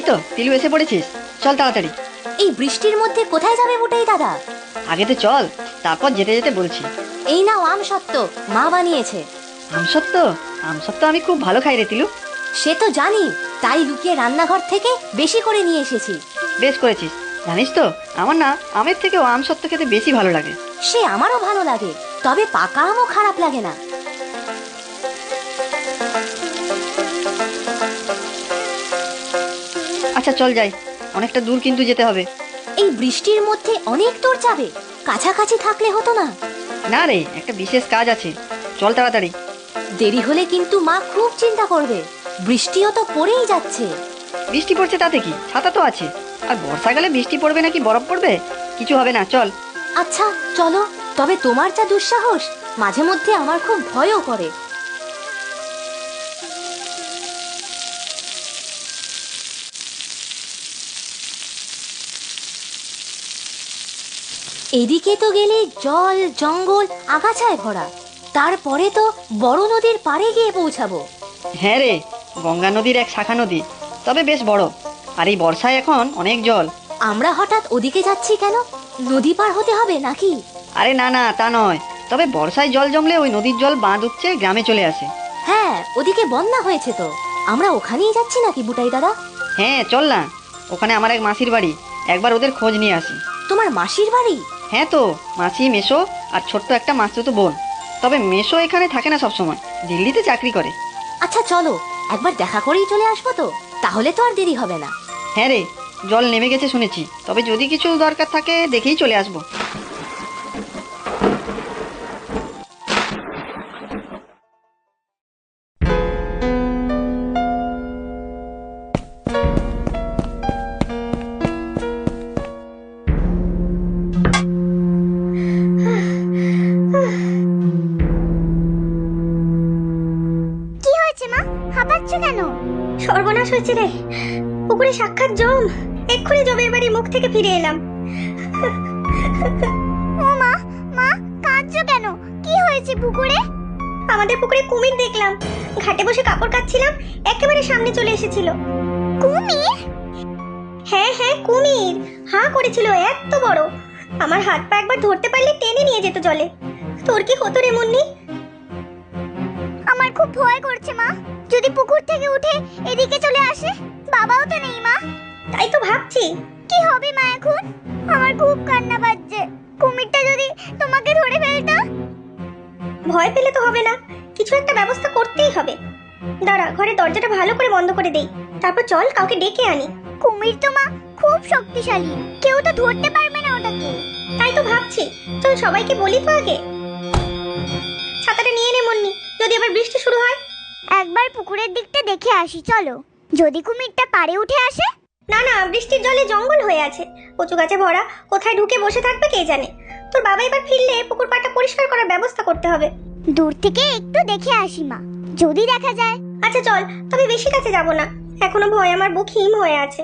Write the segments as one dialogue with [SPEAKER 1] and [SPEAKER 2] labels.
[SPEAKER 1] এই তো তিলু এসে পড়েছিস, চল তাড়াতাড়ি।
[SPEAKER 2] এই বৃষ্টির মধ্যে কোথায় যাবে বুটাই দাদা?
[SPEAKER 1] আগে তো চল, তারপর যেতে যেতে বলছি।
[SPEAKER 2] এই নাও আম সত্ত্ব, মা বানিয়েছে।
[SPEAKER 1] আমসত্ত্ব? আমসত্ত্ব আমি খুব ভালো খাই রে তিলু।
[SPEAKER 2] সে তো জানি, তাই লুকিয়ে রান্নাঘর থেকে বেশি করে নিয়ে এসেছি।
[SPEAKER 1] বেশ করেছিস। জানিস তো আমার না আমের থেকেও আমসত্ত্ব খেতে বেশি ভালো লাগে।
[SPEAKER 2] সে আমারও ভালো লাগে, তবে পাকা আমও খারাপ লাগে না।
[SPEAKER 1] আচ্ছা চল যাই, অনেকটা দূর কিন্তু যেতে হবে।
[SPEAKER 2] এই বৃষ্টির মধ্যে অনেক দূর যাবে? কাছাকাছি থাকলে হতো না?
[SPEAKER 1] না রে, একটা বিশেষ কাজ আছে, চল তাড়াতাড়ি।
[SPEAKER 2] দেরি হলে কিন্তু মা খুব চিন্তা করবে। বৃষ্টিও তো পড়েই যাচ্ছে।
[SPEAKER 1] বৃষ্টি পড়ছে তাতে কি, ছাতা তো আছে। আর বর্ষাকালে বৃষ্টি পড়বে নাকি বরফ পড়বে, কিছু হবে না, চল।
[SPEAKER 2] আচ্ছা চলো, তবে তোমার যা দুঃসাহস, মাঝে মধ্যে আমার খুব ভয়ও করে। এদিকে তো গেলে জল জঙ্গল আগাছায় ভরা, তারপরে তো বড় নদীর পাড়ে গিয়ে পৌঁছাবো।
[SPEAKER 1] হ্যাঁ রে, গঙ্গা নদীর এক শাখা নদী, তবে বেশ বড়। আর এই বর্ষায় এখন অনেক জল।
[SPEAKER 2] আমরা হঠাৎ ওদিকে যাচ্ছি কেন? নদী পার হতে হবে নাকি?
[SPEAKER 1] আরে না না, তা নয়, তবে বর্ষায় জল জমলে ওই নদীর জল বাঁধ উপচে গ্রামে চলে আসে।
[SPEAKER 2] হ্যাঁ, ওদিকে বন্যা হয়েছে তো। আমরা ওখানেই যাচ্ছি নাকি বুটাই দাদা?
[SPEAKER 1] হ্যাঁ চল না, ওখানে আমার এক মাসির বাড়ি, একবার ওদের খোঁজ নিয়ে আসি।
[SPEAKER 2] তোমার মাসির বাড়ি?
[SPEAKER 1] হ্যাঁ তো, মাসি, মেসো আর ছোট্ট একটা মাসতুতো বোন। তবে মেসো এখানে থাকে না সবসময়, দিল্লিতে চাকরি করে।
[SPEAKER 2] আচ্ছা চলো, একবার দেখা করেই চলে আসবো তো, তাহলে তো আর দেরি হবে না।
[SPEAKER 1] হ্যাঁ রে, জল নেমে গেছে শুনেছি, তবে যদি কিছু দরকার থাকে দেখেই চলে আসবো।
[SPEAKER 3] সর্বনাশ হয়েছে রে, পুকুরে সাক্ষাৎ জম। এক্ষুনি জমের বাড়ি মুখ থেকে ফিরে এলাম। ও মা, মা কাঁদছো কেন? কি হয়েছে পুকুরে? আমাদের পুকুরে কুমির দেখলাম। ঘাটে বসে কাপড় কাচ্ছিলাম, একেবারে সামনে চলে এসেছিল। কুমির? হ্যাঁ হ্যাঁ কুমির, হাঁ করেছিল এত বড়। আমার হাত পা একবার ধরতে পারলে টেনে নিয়ে যেত জলে। তোর কি হতো রে মুন্নি? আমার খুব ভয় করছে মা, যদি পুকুর থেকে উঠে এদিকে চলে আসে। বাবাও তো নেই মা। তাই তো ভাবছি কি হবে মা এখন। আমার খুব কান্না পাচ্ছে, কুমিরটা যদি তোমাকে ধরে ফেলতো। ভয় পেলে তো হবে না, কিছু একটা ব্যবস্থা করতেই হবে। দাঁড়া, ঘরে দরজাটা ভালো করে বন্ধ করে দেই, তারপর চল কাউকে ডেকে আনি। কুমির তো মা খুব শক্তিশালী, কেউ তো ধরতে পারবে না ওটাকে। তাই তো ভাবছি, চল সবাইকে বলি তো আগে। ছাতাটা নিয়ে নে মুন্নি, যদি আবার বৃষ্টি শুরু হয়। একবার পুকুরের দিকটা দেখে আসি চলো, যদি কুমিরটা পাড়ে উঠে আসে। না না, বৃষ্টির জলে জঙ্গল হয়ে আছে, কচু গাছে ভরা, কোথায় ঢুকে বসে থাকবে কে জানে। তোর বাবা এবার ফিরলে পুকুর পাড়টা পরিষ্কার করার ব্যবস্থা করতে হবে। দূর থেকে একটু দেখে আসি মা, যদি দেখা যায়। আচ্ছা চল, তবে বেশি কাছে যাব না, এখনো ভয় আমার বুক হিম হয়ে আছে।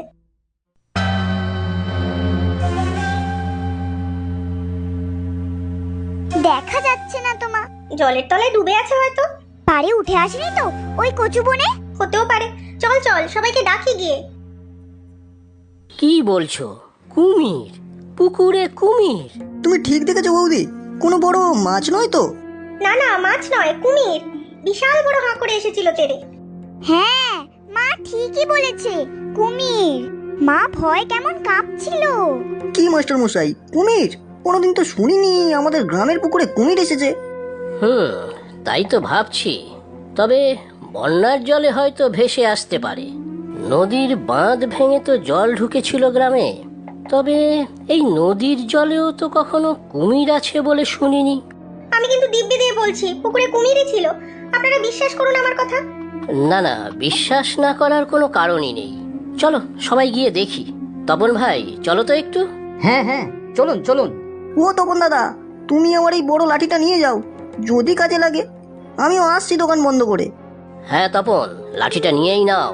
[SPEAKER 3] দেখা যাচ্ছে না তো মা, জলের তলায় ডুবে আছে হয়তো। পাড়ে উঠে আসেনি তো ওই কচু বনে? হতেও পারে, চল চল সবাইকে ডাকি গিয়ে।
[SPEAKER 4] কি বলছো? কুমির? পুকুরে কুমির?
[SPEAKER 5] তুমি ঠিক দেখেছো বৌদি, কোনো বড় মাছ নয় তো?
[SPEAKER 3] না না, মাছ নয়, কুমির। বিশাল বড় হাঁ করে এসেছিল তেরে। হ্যাঁ মা ঠিকই বলেছে, কুমির। মা ভয় কেমন কাঁপছিল।
[SPEAKER 5] কি মাস্টার মশাই, কুমির? কোনোদিন তো শুনিনি আমাদের গ্রামের পুকুরে কুমির এসেছে।
[SPEAKER 4] তাই তো ভাবছি। তবে বন্যার জলে হয়তো ভেসে আসতে পারে। নদীর বাঁধ ভেঙে তো জল ঢুকেছিল গ্রামে, তবে এই নদীর জলেও তো কখনো কুমির আছে বলে শুনিনি।
[SPEAKER 3] আমি কিন্তু দিব্যি দিয়ে বলছি পুকুরে কুমিরই ছিল, আপনারা বিশ্বাস করুন আমার কথা।
[SPEAKER 4] না না, বিশ্বাস না করার কোনো কারণই নেই। চলো সবাই গিয়ে দেখি। তপন ভাই চলো তো একটু।
[SPEAKER 5] হ্যাঁ হ্যাঁ, চলুন চলুন। ও তপন দাদা, তুমি আমার এই বড় লাঠিটা নিয়ে যাও, যদি কাজে লাগে। আমিও আসছি দোকান বন্ধ করে।
[SPEAKER 4] হ্যাঁ তপন, লাঠিটা নিয়েই নাও।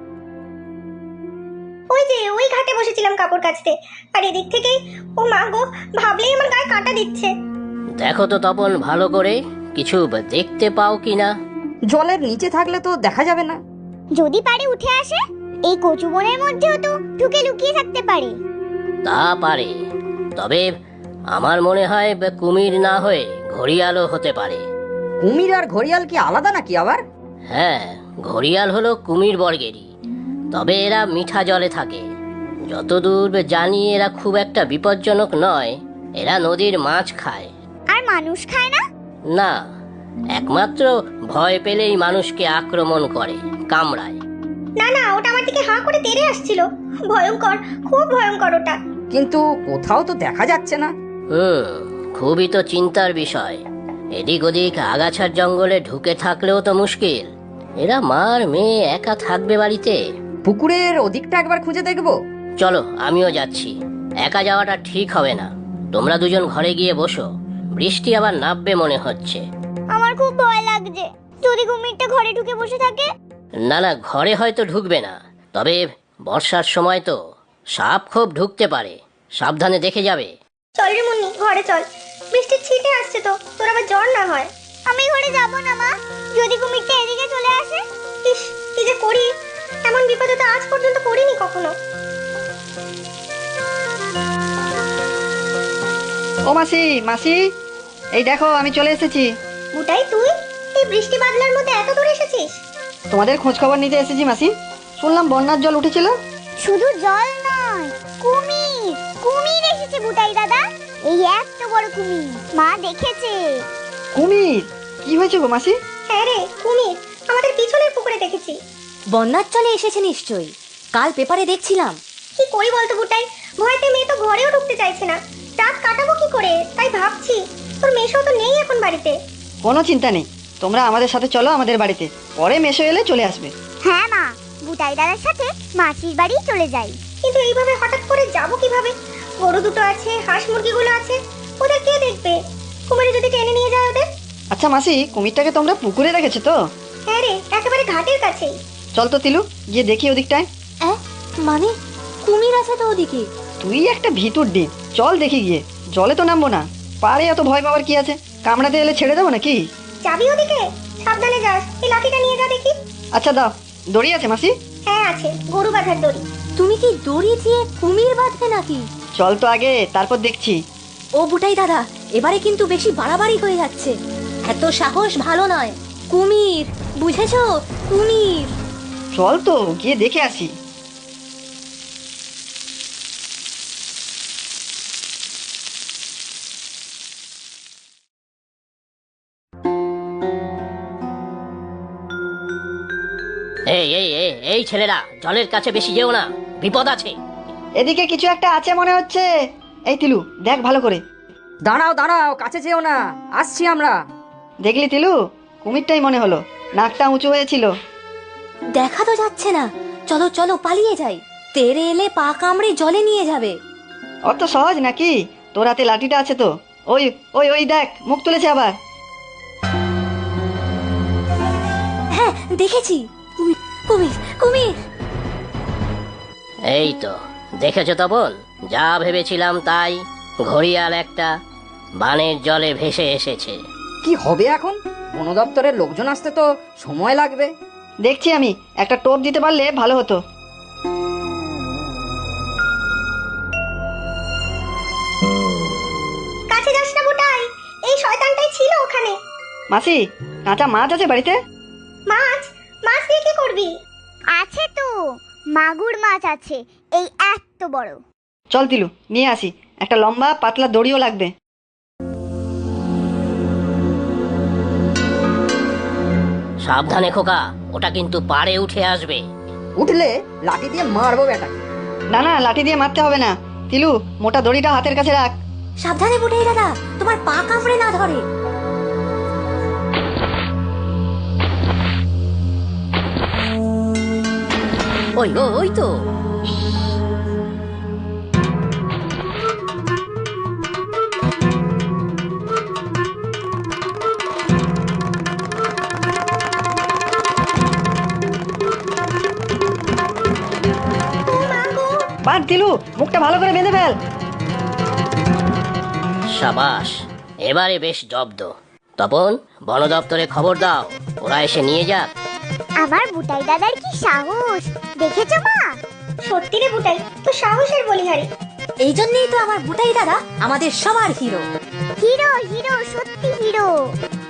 [SPEAKER 3] ওই যে ওই ঘাটে বসেছিলাম কাপড় কাচতে, আর এদিক থেকেই ও মা গো, ভাবলেই আমার গায়ে কাঁটা দিচ্ছে।
[SPEAKER 4] দেখো তো তপন ভালো করে, কিছু দেখতে পাও কিনা।
[SPEAKER 6] জলের নিচে থাকলে তো দেখা যাবে না।
[SPEAKER 3] যদি পারে উঠে আসে? এই কচু বনের মধ্যেও তো ঢুকে লুকিয়ে থাকতে পারে।
[SPEAKER 4] তা পারে, তবে আমার মনে হয় কুমির না হয়ে ঘড়িয়ালও হতে পারে।
[SPEAKER 5] কুমির আর ঘড়িয়াল কি আলাদা নাকি আবার?
[SPEAKER 4] হ্যাঁ, ঘড়িয়াল হলো কুমির বর্গেরই, তবে এরা মিঠা জলে থাকে। যতদূর জানি এরা খুব একটা বিপজ্জনক নয়। এরা নদীর মাছ খায়।
[SPEAKER 3] আর মানুষ খায় না?
[SPEAKER 4] না, একমাত্র ভয় পেলেই মানুষকে আক্রমণ করে, কামড়ায়।
[SPEAKER 3] না না, ওটা আমার দিকে হাঁ করে তেড়ে আসছিল। ভয়ঙ্কর, খুব ভয়ঙ্কর ওটা।
[SPEAKER 5] কিন্তু কোথাও তো দেখা যাচ্ছে না।
[SPEAKER 4] খুবই তো চিন্তার বিষয়। এদিক ওদিক আগাছার জঙ্গলে ঢুকে থাকলেও তো মুশকিল। এরা মার মেয়ে একা থাকবে বাড়িতে।
[SPEAKER 5] পুকুরের ওদিকটা একবার খুঁজে দেখবো।
[SPEAKER 4] চলো, আমিও যাচ্ছি। একা যাওয়াটা ঠিক হবে না। তোমরা দুজন ঘরে গিয়ে বসো, বৃষ্টি আবার নামবে মনে হচ্ছে।
[SPEAKER 3] আমার খুব ভয় লাগছে, যদি কুমিরটা ঘরে ঢুকে বসে থাকে।
[SPEAKER 4] না না, ঘরে হয়তো ঢুকবে না, তবে বর্ষার সময় তো সাপ খুব ঢুকতে পারে। সাবধানে দেখে যাবে।
[SPEAKER 3] চল রে মুন্নি, ঘরে চল। বৃষ্টির ছিটে আসছে তো, তোর আবার জ্বর না হয়। আমি ঘরে যাব না মা, যদি কুমিরটা এদিকে চলে আসে। ইস, কি যে করি, এমন বিপদে তো আজ পর্যন্ত পড়িনি কখনো।
[SPEAKER 1] ও মাসি, মাসি, এই দেখো আমি চলে এসেছি।
[SPEAKER 3] বুটাই, তুই এই বৃষ্টি বাদলার মধ্যে এত দূর এসেছিস?
[SPEAKER 1] তোমাদের খোঁজ খবর নিতে এসেছি মাসি। শুনলাম বন্যার জল উঠেছিল।
[SPEAKER 3] শুধু জল নয়, কুমির, কুমির এসেছে বুটাই দাদা। এই এত বড় কুমির, মা দেখেছে।
[SPEAKER 1] কুমির? কি হয়েছে গো মাসি?
[SPEAKER 3] হ্যাঁ রে, কুমির আমাদের পিছনের পুকুরে দেখেছি।
[SPEAKER 2] বন্যার চলে এসেছে নিশ্চয়ই, কাল পেপারে দেখছিলাম।
[SPEAKER 3] কি করি বলতো বুটাই, ভয়তে মেয়ে তো ঘরেও ঢুকতে চাইছে না। রাত কাটাবো কি করে, তাই ভাবছি। তোর মেশো তো নেই এখন বাড়িতে।
[SPEAKER 1] কোনো চিন্তা নেই, তোমরা আমাদের সাথে চলো আমাদের বাড়িতে, পরে মেশো এলে চলে আসবে।
[SPEAKER 3] হ্যাঁ মা, বুটাই দাদার সাথে মাসির বাড়ি চলে যাই। কিন্তু এইভাবে হঠাৎ করে যাব কিভাবে? গরু দুটো আছে, হাঁস মুরগিগুলো আছে, ওদের কে দেখবে? কুমির যদি টেনে নিয়ে যায় ওদের।
[SPEAKER 1] আচ্ছা মাসি, কুমিরটাকে তোমরা পুকুরে রেখেছো তো?
[SPEAKER 3] হ্যাঁ রে, একেবারে ঘাটের কাছেই।
[SPEAKER 1] চল তো তিলু, গিয়ে দেখি ওদিকটায়।
[SPEAKER 2] মানে কুমির আছে তো ওদিকে?
[SPEAKER 1] তুই একটা ভিতুর ডিম, চল দেখি গিয়ে। জলে তো নামবো না, পারে এত ভয় পাওয়ার কি আছে? কামড়াতে এলে ছেড়ে দেবো নাকি?
[SPEAKER 3] যাবি ওদিকে? সাবধানে যাস, এই লাঠিটা নিয়ে যা দেখি।
[SPEAKER 1] আচ্ছা দাও, দড়ি আছে মাসি?
[SPEAKER 3] হ্যাঁ আছে, গরু বাঁধার দড়ি।
[SPEAKER 2] তুমি কি দড়ি দিয়ে কুমির বাঁধবে নাকি?
[SPEAKER 1] চল তো আগে, তারপর দেখছি।
[SPEAKER 2] ও বুটাই দাদা, এবারে কিন্তু বেশি বাড়াবাড়ি হয়ে যাচ্ছে। এত সাহস ভালো নয়। কুমির, বুঝেছো? কুমির।
[SPEAKER 1] চল তো গিয়ে দেখে আসি।
[SPEAKER 4] এই এই এই এই ছেলেরা, জলের কাছে বেশি যেও না, বিপদ আছে।
[SPEAKER 1] এদিকে কিছু একটা আছে মনে হচ্ছে। এই তিলু, দেখ ভালো করে।
[SPEAKER 5] দাঁড়াও দাঁড়াও, কাছে যেও না, আসছি আমরা।
[SPEAKER 1] দেখলি তিলু, কুমিরটাই মনে হলো, নাকটা উঁচু হয়েছিল।
[SPEAKER 2] দেখা তো যাচ্ছে না, চলো চলো পালিয়ে যাই। তেরে এলে পা কামড়ে জলে নিয়ে যাবে।
[SPEAKER 1] অত সহজ নাকি? তোর হাতে লাঠিটা আছে তো। ওই ওই ওই দেখ, মুখ তুলেছে আবার।
[SPEAKER 2] হ্যাঁ দেখেছি, কুমির কুমির কুমির।
[SPEAKER 4] এই তো দেখেছো তপন, যা ভেবেছিলাম তাই। ঘড়িয়াল একটা বানের জলে ভেসে এসেছে।
[SPEAKER 5] কি হবে এখন? বন দপ্তরের লোকজন আসতে তো সময় লাগবে।
[SPEAKER 1] দেখছি আমি, একটা টোপ দিতে পারলে ভালো হতো।
[SPEAKER 3] কাছে যাস না বুটাই, এই শয়তানটাই ছিল ওখানে।
[SPEAKER 1] মাসি, কাঁচা মাছ আছে বাড়িতে?
[SPEAKER 3] মাছ? মাছ দিয়ে কি করবি? আছে তো, মাগুর মাছ আছে, এই এত বড়।
[SPEAKER 1] চল তিলু, নিয়ে আসি। একটা লম্বা পাতলা দড়িও লাগবে।
[SPEAKER 4] সাবধানে খোকা, ওটা কিন্তু পাড়ে উঠে আসবে।
[SPEAKER 5] উঠলে লাঠি দিয়ে মারবো বেটাকে।
[SPEAKER 1] না না, লাঠি দিয়ে মারতে হবে না। তিলু, মোটা দড়িটা হাতের কাছে রাখ।
[SPEAKER 2] সাবধানে বুটাই দাদা, তোমার পা কামড়ে না ধরে।
[SPEAKER 4] ওই ওই তো।
[SPEAKER 1] বাদ তিলু, মুখটা ভালো করে বেঁধে ফেল।
[SPEAKER 4] সাবাস, এবারে বেশ জব্দ। তপন, বন দপ্তরে খবর দাও, ওরা এসে নিয়ে যাক।
[SPEAKER 3] আমার বুটাই দাদার কি সাহস, দেখেছো মা? সত্যি রে বুটাই, তো সাহসের বলিহারি।
[SPEAKER 2] এই জন্যই তো আমার বুটাই দাদা আমাদের সবার হিরো।
[SPEAKER 3] হিরো হিরো, সত্যি হিরো।